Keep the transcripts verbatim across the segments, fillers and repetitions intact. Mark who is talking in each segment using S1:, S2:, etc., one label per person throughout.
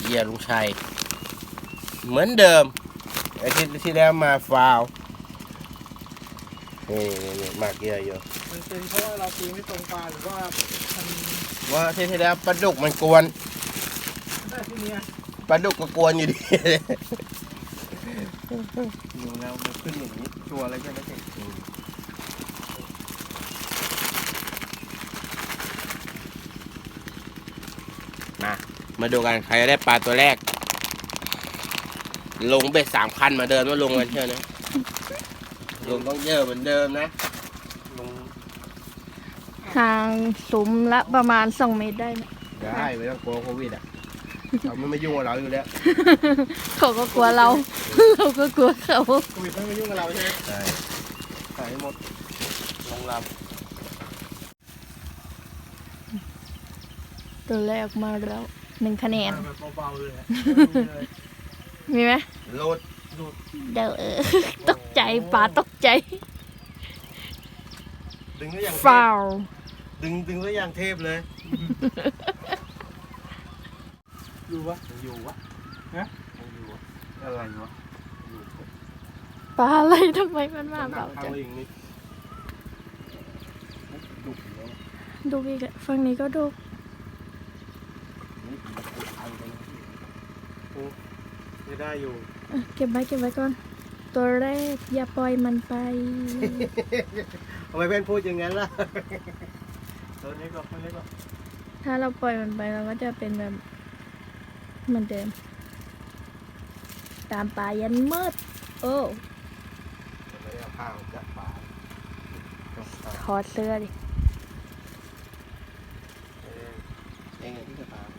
S1: เหยื่อลุงชัยเหมือนเดิมอาทิตย์ที่แล้วมาฟาวนี่นี่มากเหยื่ออยู่
S2: มันเป็นเพราะว่าเราตีไม่ตรงปลาหรือว่ามัน
S1: ว่าอาทิตย์ที่แล้วปลาดุกมันกวน
S2: ได้ที่นี้
S1: ปลาดุกก็กวนอยู่ดี
S2: อยู่แล้วมันขึ้นอย่างนี้ตัวอะไรใช่ไหมเจ๊
S1: มามาดูกันใครจะได้ปลาตัวแรกลงเบ็ดสามคันมาเดินมาลงกันเชื่อนะลงต้องเยอะเหมือนเดิมนะลง
S3: ห่างสุมละประมาณสองเมตรได้ไหม
S1: ได้ไม่ต้องกลัวโควิดอ่ะเขาไม่มายุ่งกับเราอยู่แล้ว
S3: เขาก็กลัวเราเราก็กลัวเขา
S2: โควิดไม่มายุ่งกับเราใช่ไหม
S1: ใช่
S2: ใส่หมดลงล
S3: ำตัวแรกมาแล้วหนึ่งคะแนน
S2: เบาๆเลย
S3: มีไหม
S1: โหลด
S3: เดี๋ยวเออตกใจปลาตกใจ
S2: ดึงได้อย่าง
S3: ฟาว
S2: ดึงดึงได้อย่างเทพเลยอยู่วะอยู่วะฮะอยู่วะอะไรวะ
S3: ปลาอะไรทำไมมันมาเบาจังดูอีกฝั่งนี้ก็ดู
S2: ไม่ได้อยู่
S3: เก็บไว้เก็บไว้ก่อนตัวแรกอย่าปล่อยมันไป
S2: ทำไมเพื่อนพูดอย่างนั้นล่ะตัวนี้ก็ตัวนี้ก็
S3: ถ้าเราปล่อยมันไปเราก็จะเป็นแบบเหมือนเดิมตามป่ายันมืดโอ้
S2: ไม่ได้เอาข้าวจากป่า
S3: ถอดเสื้อดิ
S2: เองที่จะตาม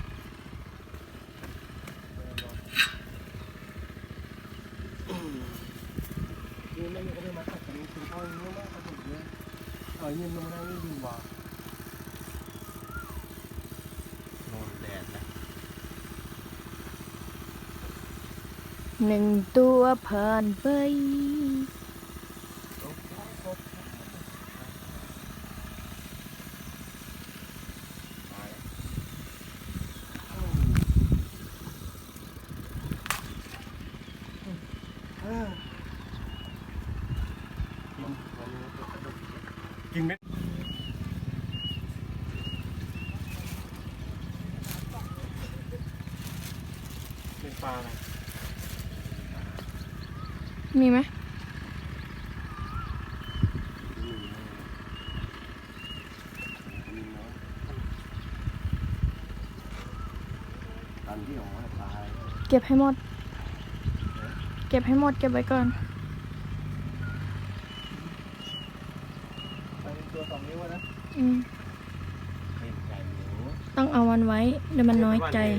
S2: ยืนไม่ยืนก็ไม่มาขัดกันคุณพ่อยืนไม่มาขัดกันเลยเออยืนลงมาได้ไม่ดีว่า
S1: โดนแดดนะ
S3: หนึ่งตัวผ่านไป
S2: กินไหมเป็นปลาอะไร
S3: มีไหมเก็บให้หมดเก็บให้หมดเก็บไว้ก่อน
S2: ตัวสองนิ้วนะ
S3: อืมต้องเอามันไว้เดี๋ยวมันน้อยใจ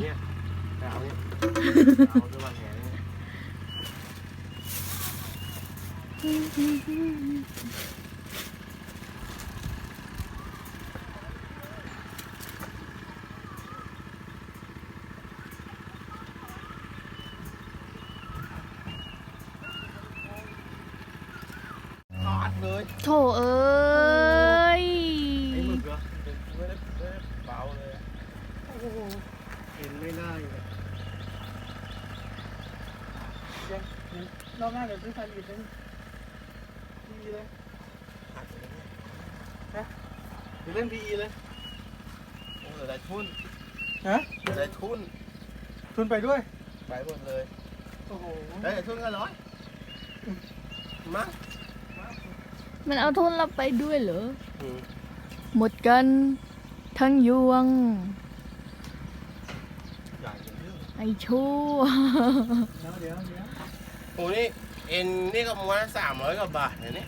S3: โถเอ้ย
S2: ไอ้หมึกเหรอไม่ได้ไม่ได้เบาเลยโอ้โหเห็นไม่ได้เลยยังรอบหน้าเดี๋ยวซื้อพันอีกนึงพีเลยฮะเดี๋ยวเล่นพีเลย
S1: โอ้เหลือได้ทุน
S2: ฮะ
S1: เหลือได้ทุน
S2: ทุนไปด้วย
S1: ไปหมดเลย
S2: โอ้โห
S1: ได้ทุนก็ร้อยมา
S3: มันเอาทุนเราไปด้วยเหรอหมดกันทั้งยวงไอ้ชั่ว
S2: เดี๋ยวเดี๋ยวเดี๋ยว
S1: โอ้นี่เอ็นนี่ก็ม้วนสามร้อยกว่าบาทเนี่ย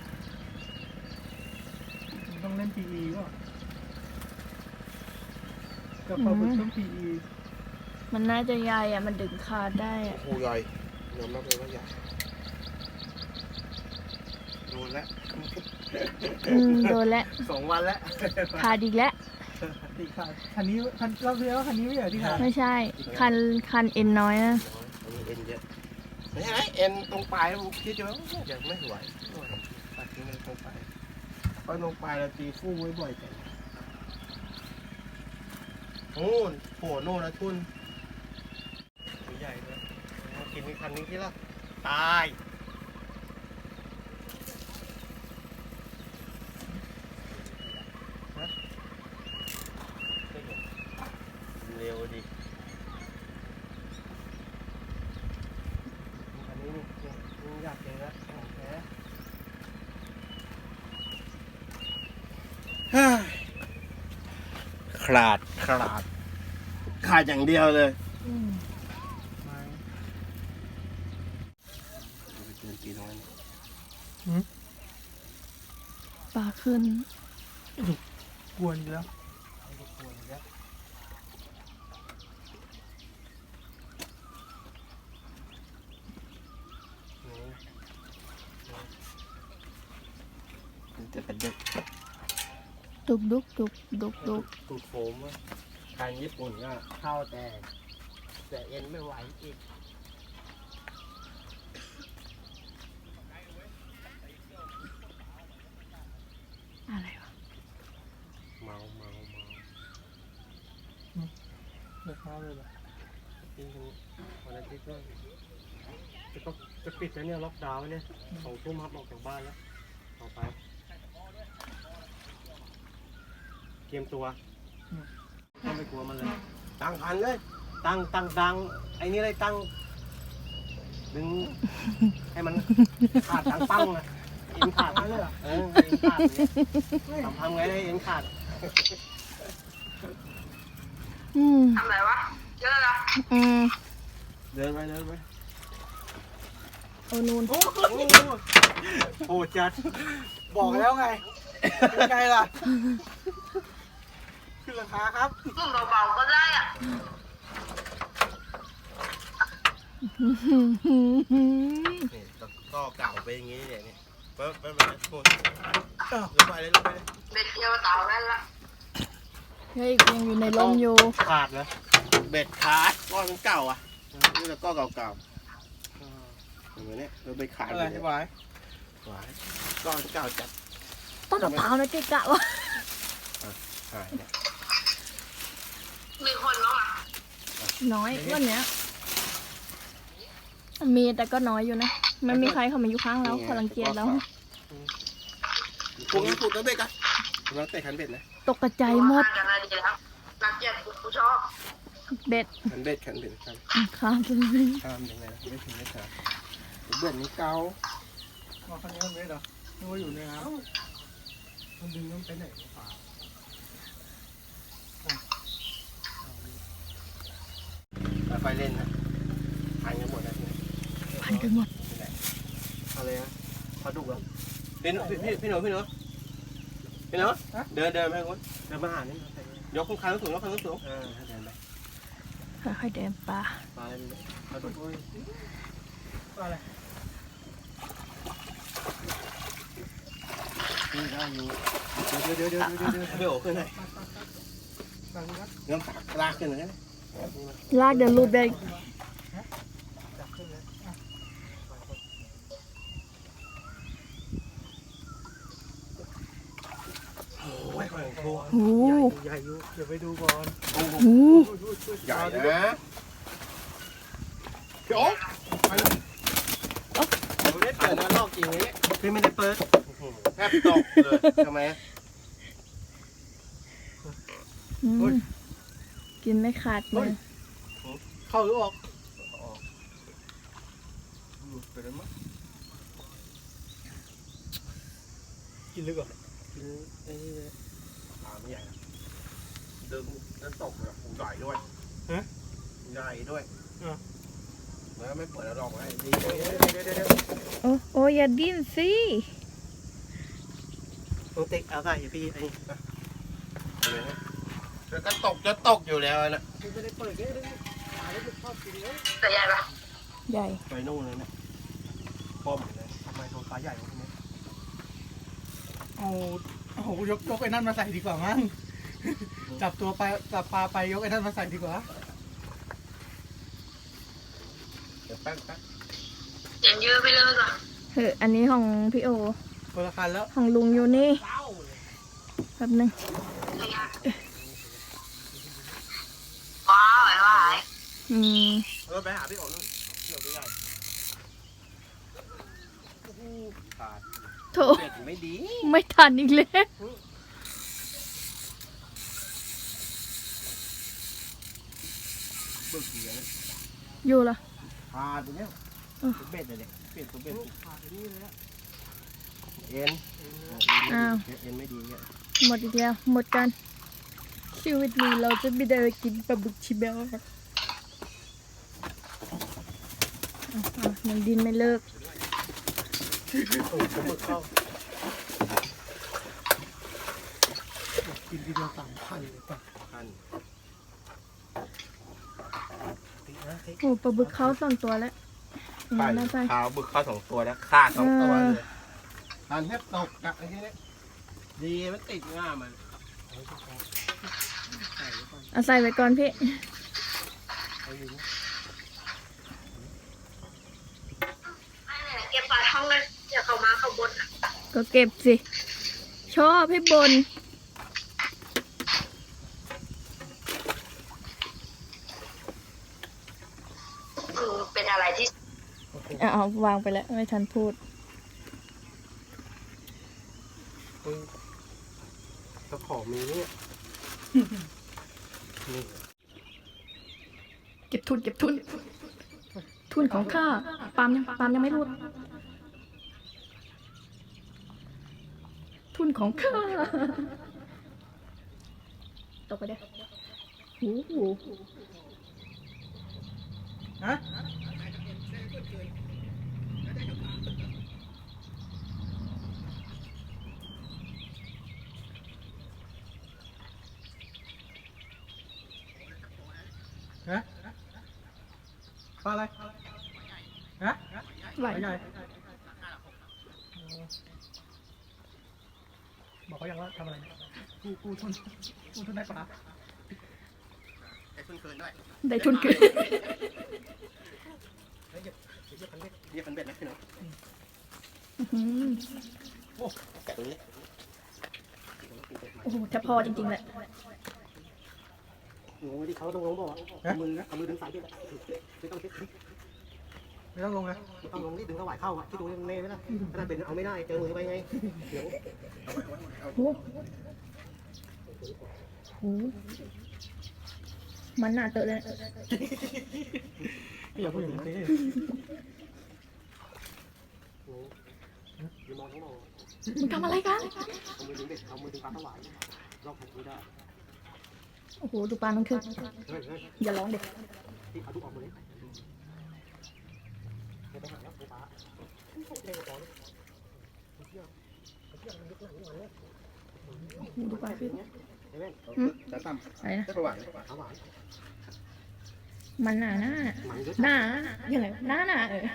S2: ต้องเล่น พี อี ป่ะกับปลาบึกต้อง พี อี
S3: มันน่าจะใหญ่อะมันดึงขาดได้อะ
S1: โอ้ใหญ่ยอมรับเลยว่าใหญ่โดนแล้ว
S3: อืมโดนแล้ว
S2: สองวันแล้ว
S3: ขาดอีกแล้ว
S2: ติขาดคันนี้คันเราเรียกว่าคันนี้ไม่เหรอที่ขาด
S3: ไม่ใช่คันคันเอ็นน้อยนะ
S1: เอ็นเยอะไม่ใช่เอ็นตรงปลายผมคิดว่าจะไม่ไหวตัดทิ้งเลยตรงปลายเพราะตรงปลายเราตีคู่ไว้บ่อยจังโอ้โหโน่นนะทุนกินคันนี้ที่ละตาย เร็วดิอันนี้นี่นี่อยากเจอแล้วของแท้ขาดขาดขาดอย่างเดียวเลย
S3: อืม
S2: ไม่
S1: ไปเจอตีน้อย
S3: ปลาขึ้น
S2: กวนอยู่แล้ว
S1: จะกระดึก
S3: ดุกดุกดุกดุกดุก
S1: ตูดโฟมอะทางญี่ปุ่นก็เข้าแต่แต่เอ็นไม่ไหวอีก
S3: อะไรวะ
S1: เมาเมาเมา
S2: เลิกข้าวเลยเหรอ
S1: จริงๆวันอาทิตย์ก็จะก็จะปิดแล้วเนี่ยล็อกดาวน์เนี่ยสองทุ่มครับออกจากบ้านแล้วต่อไปเตรียมตัวต้องไปกลัวมันเลยตั้งพันเลยตั้งตั้งดังไอ้นี่เลยตั้งดึงให้มันขาดดังปั้งนะเอ็นขาดนั่นเลยเออเอ็นขาดเนี่ยทำทำไงได้เอ็นขาด
S3: อืม
S4: ทำไรวะเยอะละ
S3: อืม
S1: เดินไปเดินไป
S3: โอ้นูน
S1: โอ้โหจัด
S2: บอกแล้วไงเป็นไงล่ะขึ้นราคาครับ
S4: นุ่มเบาๆก็ได้อ่ะ
S1: นี่ก็เก่าไปอย่างงี้เนี่ยนี่เปิ๊บเปิ๊บเปิ๊บโอ้ยลงไปเลยลงไปเลย
S4: เบ็ดเดียวเต่าได้ละ
S3: เฮ้ยยังอยู่ในลมอยู่
S1: ขาดเลยเบ็ดขาดก้อนมันเก่าอ่ะนี่แต่ก้อนเก่าๆอย่างเงี้ยเราไปขาด
S2: อะไร
S1: เลย
S2: ไหว
S1: หวายก้อนเก่าจัด
S3: ต้นมะพร้าวนะเจ๊กะวะ
S1: หายเนี่ย
S4: มีคนบ้างอ่ะ
S3: น้อยวันเนี้ยมีแต่ก็น้อยอยู่นะมันมีใครเข้ามาอยู่ข้างเราเขารังเกียจเรา
S1: ปลุกนะปลุกนะเบ็ดกันกำลังเตะขันเบ็ดนะ
S3: ตกกระจายหมด
S4: กันอะไรดีแล้วรักเกียรติกูชอบ
S3: เบ็ด
S1: ขันเบ็ดขันเบ็ดขัน
S3: ข้ามไปเลย
S1: ข้ามยังไงนะไม่ถึงไม่ขาดเบ็ดนี้เก่า
S2: มาคันนี้มันไม่เหรอนึกว่าอยู่ในน้
S1: มันดึงมันไปไหนเปล่าไปเล่นนะพันกันหมดนะทีนี้
S3: พันกันหมด
S1: อะไรนะปลาดุกเหรอพี่หนูพี่พี่หนูพี่หนูพี่หนูเดินเดินไปคนเดินมาหานี่ยกคันสูงยกคันสูงเออเดินไป
S3: ค่อยๆเดินปลา
S1: ปลาอะไรปลาดุก
S2: ำอะไร
S1: นี่ได้อยู่เดี๋ยวเดี๋ยวเดี๋ยวเดี๋ยวเดี๋ยวไม่โอ้ขึ้นเลย
S2: ฟังครับ
S1: น้ำตากลากขึ้นเลยนะ
S3: ลากเดินรูดเบ็ด
S2: จับขึ้นเลยอ่ะ
S1: โอ้ยแข่งโค
S3: โอ้
S2: ใหญ่อยู่เดี๋ยวไปดูก่อน
S1: โอ้โห
S3: โห
S1: ใหญ่นะพี่โอ๊คไปเลยเราได้เปิดนะลอกจริงเลยพี่ไม่ได้เปิดแทบตกเลยทำไม
S3: อืมกินไม่ขาดเลย
S2: เข้าหรือออก
S1: หลุดไปแล้วมั้ง
S2: กินลึกเหรอ
S1: กินไอ้นี่เลยปลาไม่ใหญ่นะดึงแล้วตกแบบใหญ่ด้วยใหญ่ด้วยแล้วไม่เปิดแล้วลองไว้ดีเดี๋ยวเดี๋ยวเดี๋ยว
S3: โอ้โอ้อย่าดิ้นสิ
S1: ต้องติ๊กเอาใส่พี่ไอ้นี่แล้วก็ตกจะตกอยู่แล้วนะ
S2: ไม่ได้เปิดแค่ได้ปลาแล้วมันชอบกินเลย
S4: แต่ใหญ่ปะ
S3: ใหญ่
S1: ไปนู่นเลยเนี่ยป้อมเลยทำไมโดนปลาใหญ่กว่านี้
S2: เอาเอายกยกไอ้นั่นมาใส่ดีกว่ามั้งจับตัวไปจับปลาไปยกไอ้นั่นมาใส่ดีกว่า
S1: เดี๋ยวแป๊บแป๊บ
S4: เห็นเยอะไปเลยก่อน
S3: เฮ้ยอันนี้ของพี่โอ
S2: คนละคันแล้ว
S3: ของลุงอยู่นี่แป๊บนึง
S4: ว้าวไหวไหว
S3: อืม
S1: เออไปหาพี่โอ๋นู่นเดี๋ยวไปใหญ่ขาด
S3: โถ
S1: เบ็ดไม่ดี
S3: ไม่ทันอีกแล้ว
S1: บึกเสียง
S3: อยู่ละ
S1: ขาดตัวเนี้ย
S3: เออ
S1: เบ็ดเลยเบ็ดตัวเบ็ด
S2: ขาดไปนี่เลยอะ
S1: เอ็น
S3: อ้าว
S1: เอ็นไม่ดีเนี่ย
S3: หมดอีกแล้วหมดกันชีวิตนี้เราจะไม่ได้ไปกินปลาบึกชิเบลอ่ะอ่ะยังดินไม่เลิก
S1: โอ้โหบึกเข้า
S2: กินทีเดียวสามพันเลยป่ะ
S1: คันตินะติ
S3: โอ้ปลาบึกเขาสองตัวแล้วอย่างนั้นไป
S1: ขาวบึกเข้าสองตัวแล้วฆ่าสองตัว
S3: เออ
S1: เลยคันแทบตกอะไอ้นี่ดีมันติดง่ามัน
S3: เอาใส่ไว้ก่อนพี่
S1: เอาอยู่นะ
S4: ไอ้เนี่ยเก็บปลาท่องเลยเดี๋ยวเขามาเขาบนอ่ะ
S3: ก็เก็บสิ ชอบให้บน
S4: อืมเป็นอะไรที่
S3: อ่ะเอาวางไปแล้ว ไม่ทันพูด
S1: เฮ้ยเจ้าของมีเนี่ยนี่
S3: เก็บทุนเก็บทุน ทุนของข้าปาล์มยังปาล์มยังไม่พูด ทุนของข้าตกไปเด้อโอ้โห
S2: ฮะฮะปลาอะไรฮะ
S3: ไหว
S2: ปลาใหญ่บอกเขายังว่าทำอะไรเนี่ยกูกูทุนกูทุนได้ปลา
S1: ไอ้ทุนเกินด้วย
S3: ได้ทุนเกิน
S1: เฮ้ยเดี๋ยวเรียกคันเบ็ดเรียกคันเบ็ดนะพี่น้อง
S3: อื้อหือ
S1: แกะตรงนี้
S3: โอ้โหแทบพอจริงๆแหละ
S1: โอ้ยที่เขาต้องลงบอกว่าเอามือนะเอามือดึงสายเบ็ดอะไม่ต้องเช็ด
S2: ไม่ต้องลงนะ
S1: ไม่ต้องลงนี่ดึงสวายเข้าอะที่ตรงนี้เน่ไหมล่ะขนาดเป็นเอาไม่ได้เจอมือไปไงเดี๋ยว
S3: โอ้โหโอ้โหมันหนาเตอะเลย
S2: อย่าพูดอย่างนี้
S1: โอ้ยอย่ามองทั้งมอง
S3: มึงทำอะไรกัน
S1: เอามือดึงเบ็ดเอามือดึงปลาสวายลอกไม่ได้
S3: โอ้โห ดูปลามันขึ้น
S1: เฮ้ยเฮ้ย
S3: อย่าร้องเด็ก
S1: ที่เอาทุกออกมาเลยไม่ไปหาแล้วปลาเท่กว่าปอเลยเที่ยวเที่ยวมันลึกหนักนี่หว่าเนี่ย
S3: ดูปลาขึ้น
S1: เฮ้ยแม่
S5: จะตั้ม
S3: อะไรนะ
S5: จะประวัติ
S1: ปลาหวาน
S3: มันหนาหน้า
S1: หมันเยอะ
S3: หนาอย่างไรหน้าหนาเออ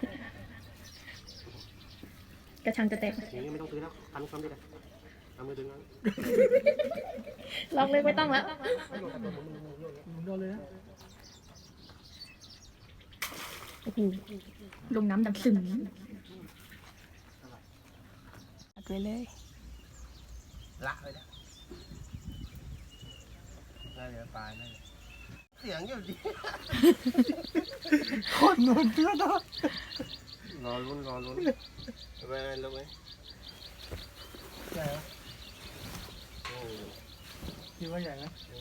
S3: กระชังจะแตก
S1: อย่างนี้ไม่ต้องซื้อแล้วทำคำได้เลยเอามือดึงเอา
S3: ลองเลยไม่ต้องแล้ว
S2: โดนเลยนะ
S3: โอ้โห ลงน้ำดำซึมอัดไว้เลย
S1: ละเลยนะน่าจะปลาน่าจะเสียงอยู่ดี
S2: คนนวลเพื่อนนะ
S1: รอลุ้นรอลุ้นไปลงไหม
S2: ใหญ่เหรอ
S1: โอ้
S2: คิดว่าใหญ่ไหม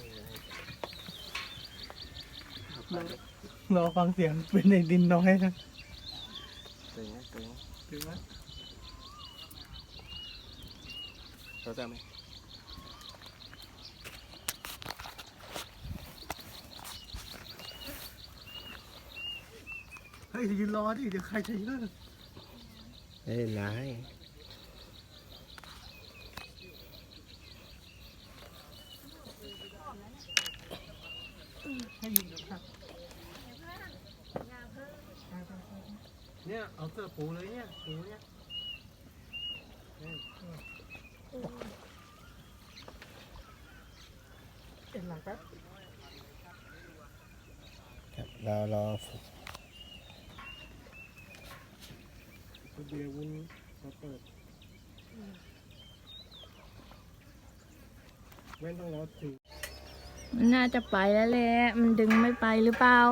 S1: ย
S2: รอฟังเสียงเป็นในดินน้อยนะ
S1: ตึงตึง
S2: ถึงไหม
S1: เราจะไหม
S2: เฮ้ยยืนรอดิเดี๋ยวใครจะยืน
S1: ไม่เป็นไร
S2: ให้ยืนเดี๋ยวครับเนี่ยเอาเสื้อปูเลยเนี่ยปูเนี่ยเอ็นหลังแป๊บ
S1: รอรอ
S2: เบียร์วุ้นเราเปิดเว้นต้องรอถึง
S3: มันน่าจะไปแล้วแหละ มันดึงไม่ไปหรือเปล่า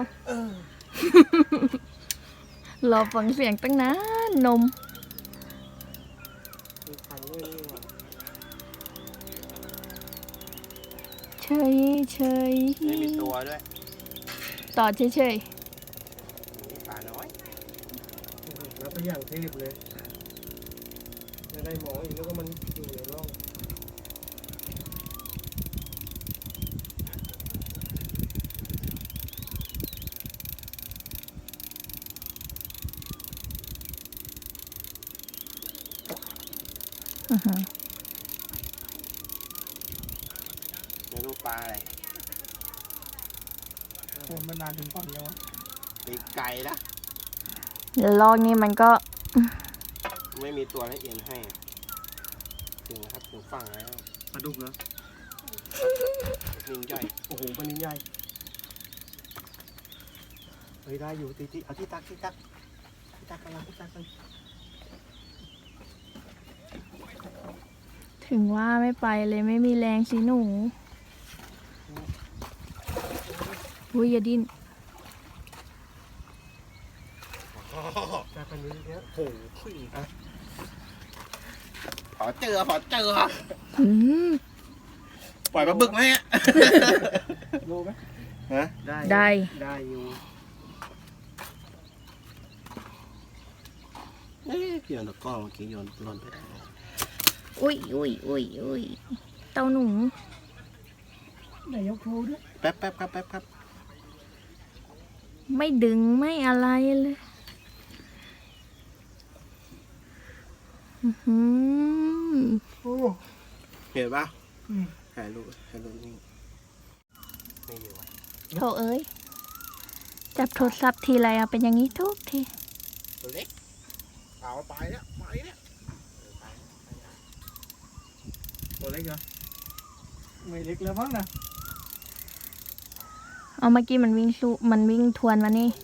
S3: รอฟังเสียงตั้งนานนมยเฉย
S1: ไม่มีตัวด้วย
S3: ต่อเฉยเฉย
S1: นี่ปลาน้อย
S2: แล้วก็อย่างเทพเลยจะได้หมออีกแล้วก็มันอยู่ในร่อง
S3: ๆอื้อหือ
S1: ไม่รู้ปลาอะไร
S2: โคนมันนานถึงก่อนแล้วะ
S1: ปีกไก่นะ
S3: แล้วลอกนี่มันก็
S1: ไม่มีตัวให้เอ็นให้ถึงนะครับถึงฝั่งแล้ว
S2: ปลาดุกเหรอ
S1: นินใหญ่โอ้โหปลานินใหญ่เฮ้ยได้อยู่ตีตีเอาที่ตักที่ตักที่ตักกันละที่ตักกัน
S3: ถึงว่าไม่ไปเลยไม่มีแรงสิหนูอุ้ยอย่าดิ้น
S2: จับกันนี้เนี้ย
S1: โอ้โหอ่ะขอเจอขอเจอ
S3: อืม
S1: ปล่อยปลาบึกไหมฮะ
S2: รู้ไหม
S1: ฮะ
S2: ได้
S3: ได้
S2: ได้อยู่
S1: เอ๊ะพี่โยนตะกร้อเมื่อกี้โยนหล่นไปได้
S3: อุ้ยอุ้ยอุ้ยอุ้ยเต้าหนู
S2: ไหนยกโชว์ด้วย
S1: แป๊บแป๊บครับแป๊บครับ
S3: ไม่ดึงไม่อะไรเลยอื้อหือ
S2: โอ้
S1: เห็นปะ
S2: อืม
S1: ถ่ายรูปถ่ายรูปนี่ไม่อยู่อ่ะ
S3: โถเอ้ยจับโทรศัพท์ทีไรเอาเป็นอย่างนี้ทุกที
S1: ตัวเล็กเอาไปแล้วไปแล้ว
S2: ตัวเล็กเหรอไม่เล็กแล้วมั้งนะ
S3: เอาเมื่อกี้มันวิ่งสู้มันวิ่งทวนมานี่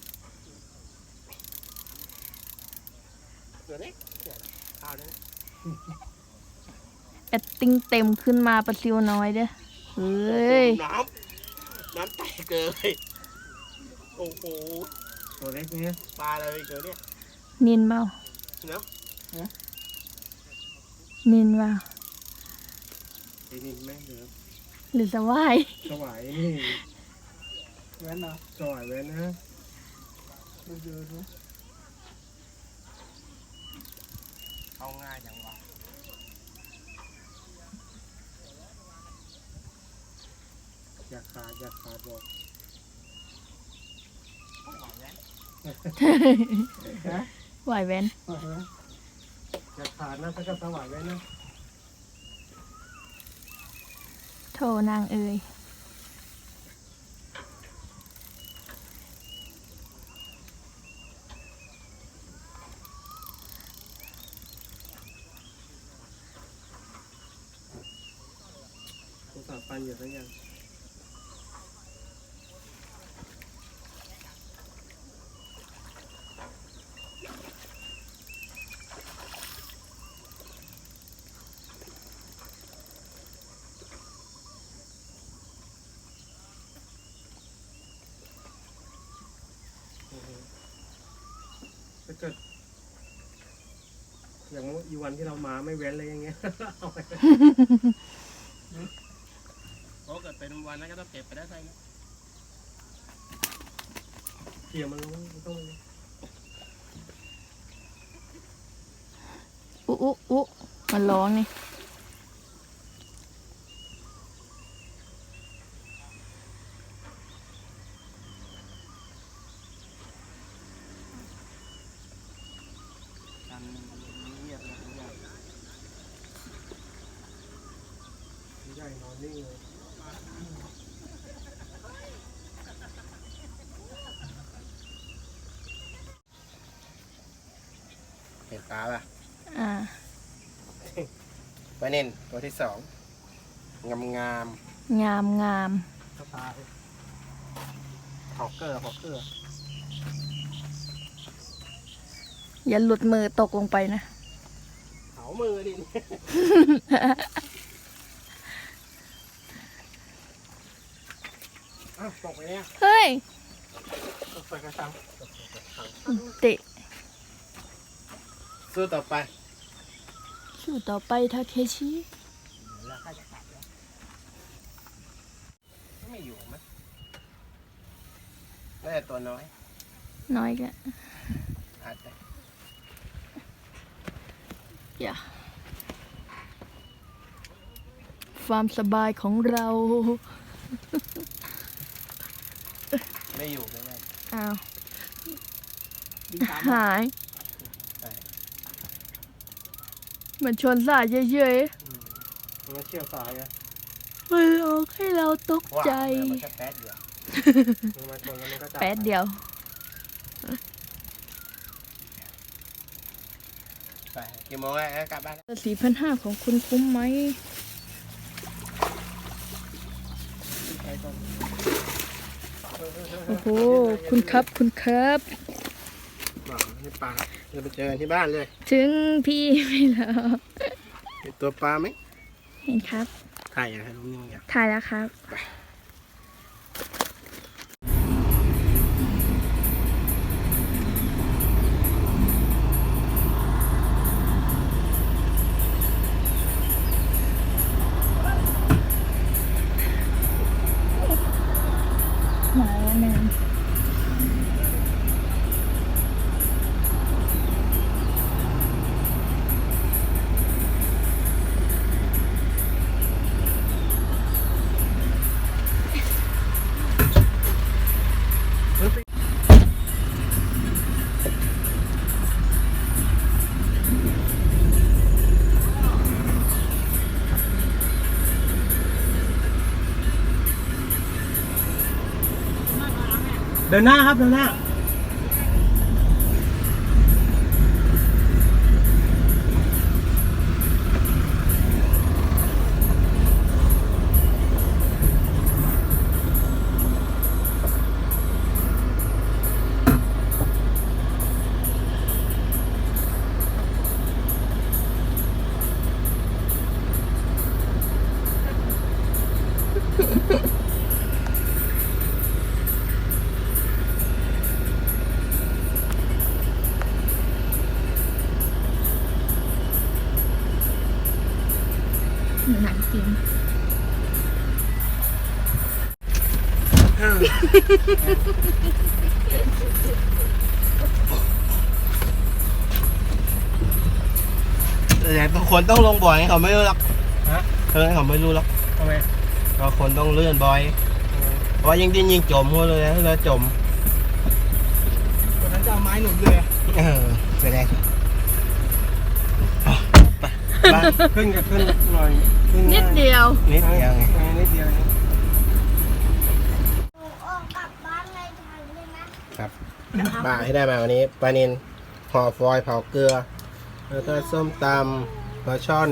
S1: ตัวเล็กข้าวได้
S3: แอดติ้งเต็มขึ้นมาประซิวน้อยเด้อเฮ้ย
S1: น้ำน้ำแตกเกยโอ้โห
S2: ตัวเล็กเนี้ย
S1: ปลาอะไรเกิดเนี่ย
S3: นินเปล่า
S1: เนาะ
S3: นินเปล่า
S2: ไอ้นี่แม่งเหลือ
S3: หรือสวาย
S2: สวายนี่แว้นเหรอสวายแว้นนะดูดูดู
S1: เอาง่ายจังวะ
S2: อยากขาดอยากขาดบอก
S1: หวานแล้ว
S2: ฮะ
S3: ไหวแวน
S2: อยากขาดนะถ้ากับสวายแว้นนะ
S3: โถนางเอ่ย
S2: สงสารปันอยู่ทั้งยังถ้าเกิดอย่างอีวันที่เรามาไม่เว้นเลยอย่างเงี้ย เอาไป
S1: เพราะเกิดเป็นวันนั้นก็ต้องเก็บไปได้ใช่ไหม
S2: เกี่ยวมันลงไม่ต้องเลย
S3: อุ๊อุ๊อุ๊มันร้องนี่
S1: กันเงียบนะใหญ่
S2: ใหญ่นอนนิ่งเลย
S1: เห็นปลาป่ะ
S3: อ่า
S1: ปลาเน่นตัวที่สองงามงาม
S3: งามงาม
S2: สปา
S1: ฮอกเกอร์ฮอกเกอร์
S3: อย่าหลุดมือตกลงไปนะ
S1: เผามือดิ อ้าวตกไปเนี่ย
S3: เฮ้ย
S1: ตกไปกระชัง
S3: เตะ
S1: สู้ต่อไป
S3: สู้ต่อไปทาเคชิ
S1: แล้วใครจะขาดแล้วอยู่ไหมน่าจะตัวน้อย
S3: น้อยแก
S1: อาจจะ
S3: อย่าความสบายของเรา
S1: ไม่อยู่ไม่ได้
S3: อ้าว
S2: บินตาม
S3: หาย
S1: ใช่
S3: เหมือนชนสายเฉย
S1: อืมมันก็เชี่ยวสายอะ
S3: ๆมันหลอกให้เราตก
S1: ว่า
S3: ใจ
S1: มันแค่แป๊ดเดียวมันมาชนแล้วมันก็จับ
S3: แป๊ดเดียว
S1: ไปกี่โมงแล้วกลับบ้านแล้ว
S3: สี่พันห้าของคุณคุ้มไหม
S1: ไปก่อน
S3: โอ้โห คุณครับคุณครับ
S1: บอกให้ปลาจะไปเจอกันที่บ้านเลย
S3: ถึงพี่ไม่แล้ว
S1: เห็นตัวปลาไหม
S3: เห็นครับ
S1: ถ่ายอย่างให้รู้นี่มึงอยาก
S3: ถ่ายแล้วครับ มาแล้วหนึ่ง
S1: เดินหน้าครับเดินหน้า
S3: หนังจริง
S1: แต่บางคนต้องลงบ่อยเขาไม่รู้หรอก
S2: ฮะ
S1: เออเขาไม่รู้หรอก
S2: ทำไม
S1: บางคนต้องเลื่อนบ่อยเพราะว่ายิ่งดิ้นยิ่งจมหัวเลยนะแล้วจม
S2: วันนั้นจะเอาไม้หนุนเลยอะ
S1: เออไปได้ไปบ้านขึ้นกับขึ้นหน่อยขึ้
S3: นิดเดียว
S1: นิดเดียวไง
S2: เออนิดเดียวเอง
S4: หนูออกกลับบ้านเลยทันเลยนะครับ
S1: ปลาให้ได้มาวันนี้ปลานิลห่อฟอยล์เผาเกลือ แล้วก็ส้มตำปลาช่อน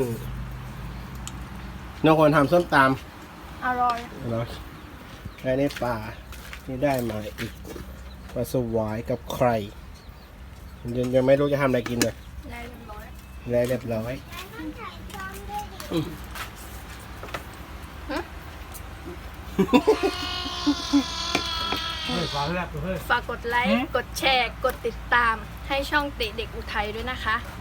S1: น้องคนทำส้มต
S3: อร่อย
S1: ำเนาะแล้วนี่ปลาที่ได้มาอีกปลาสวายกับไข่ยังยังไม่รู้จะทำอะไรกินเลย
S3: ได้เรียบร้อย
S1: แล้วเรียบร้อย
S4: ต้องใส่ซ้อมด้วยดิ
S2: เฮ้ยฟ้าเลือกเฮ้ย
S3: ฝากกดไลค์ กดแชร์ กดติดตามให้ช่องติเด็กอุทัยด้วยนะคะ